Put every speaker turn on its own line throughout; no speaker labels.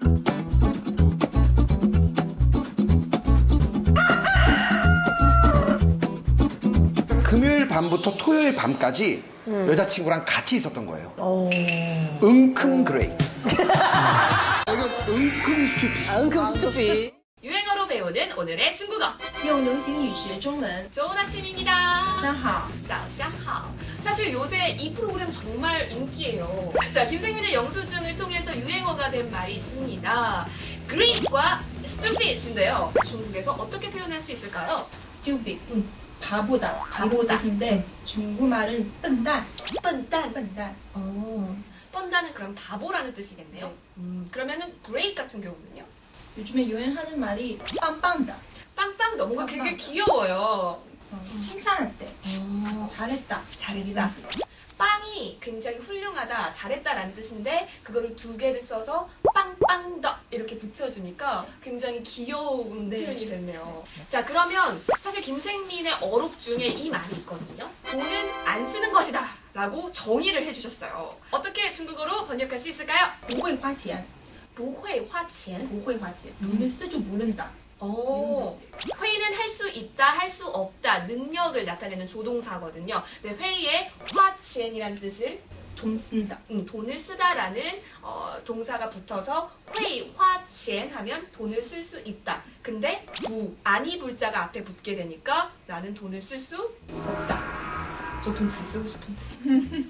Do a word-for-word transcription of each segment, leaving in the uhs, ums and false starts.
금요일 밤부터 토요일 밤까지 음. 여자친구랑 같이 있었던 거예요.
오.
은큼 그레이. 이건 은큼 스튜피.
아, 은큼 스튜피.
유행어로 배우는 오늘의 중국어.
用流行语学中文.
좋은 아침입니다.
早上好.
早上好. 사실 요새 이 프로그램 정말 인기예요. 자, 김생민의 영수증을 통해서 유행어가 된 말이 있습니다. great과 stupid인데요. 중국에서 어떻게 표현할 수 있을까요?
stupid. 음, 바보다. 바보다. 뜻인데 중국말은 笨蛋.
笨蛋.
笨蛋.
어, 뻔다는 그럼 바보라는 뜻이겠네요.
네.
음, 그러면은 great 같은 경우는요?
요즘에 유행하는 말이 빵빵다.
빵빵 너무
빵빵.
되게 귀여워요.
어, 칭찬할 때.
어,
잘했다.
잘했다. 빵이 굉장히 훌륭하다, 잘했다라는 뜻인데 그거를 두 개를 써서 빵빵더 이렇게 붙여주니까 굉장히 귀여운
네.
표현이 됐네요. 자, 그러면 사실 김생민의 어록 중에 이 말이 있거든요. 돈은 안 쓰는 것이다 라고 정의를 해주셨어요. 어떻게 중국어로 번역할 수 있을까요?
不会花钱.
不会花钱.
不会花钱. 돈을 쓸 줄 모른다.
오, 회의는 할 수 있다, 할 수 없다, 능력을 나타내는 조동사거든요. 네, 회의에 화치엔이라는 뜻을
돈 쓴다.
음, 돈을 쓰다라는 어, 동사가 붙어서 회의 화치엔 하면 돈을 쓸 수 있다. 근데 부, 아니 불자가 앞에 붙게 되니까 나는 돈을 쓸 수 없다. 저 돈 잘 쓰고 싶은데.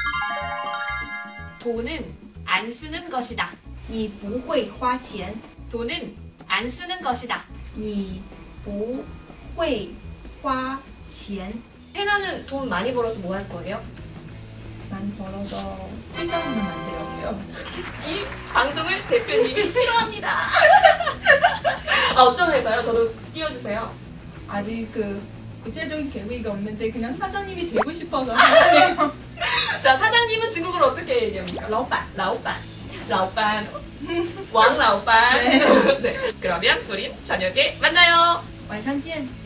돈은 안 쓰는 것이다.
你不会花钱.
돈은 안 쓰는 것이다.
你不会花钱.
해나는 돈 많이 벌어서 뭐 할 거예요?
많이 벌어서 회사 하나 만들려고요.
이 방송을 대표님이 싫어합니다. 아, 어떤 회사요? 저도 띄워주세요.
아직 그 구체적인 계획이 없는데 그냥 사장님이 되고 싶어서 하네요.
자, 사장님은 중국어로 어떻게 얘기합니까?
老板.
라오반. 라오반. 왕 라오반.
네.
네. 그러면 우린 저녁에 만나요.
晚上见.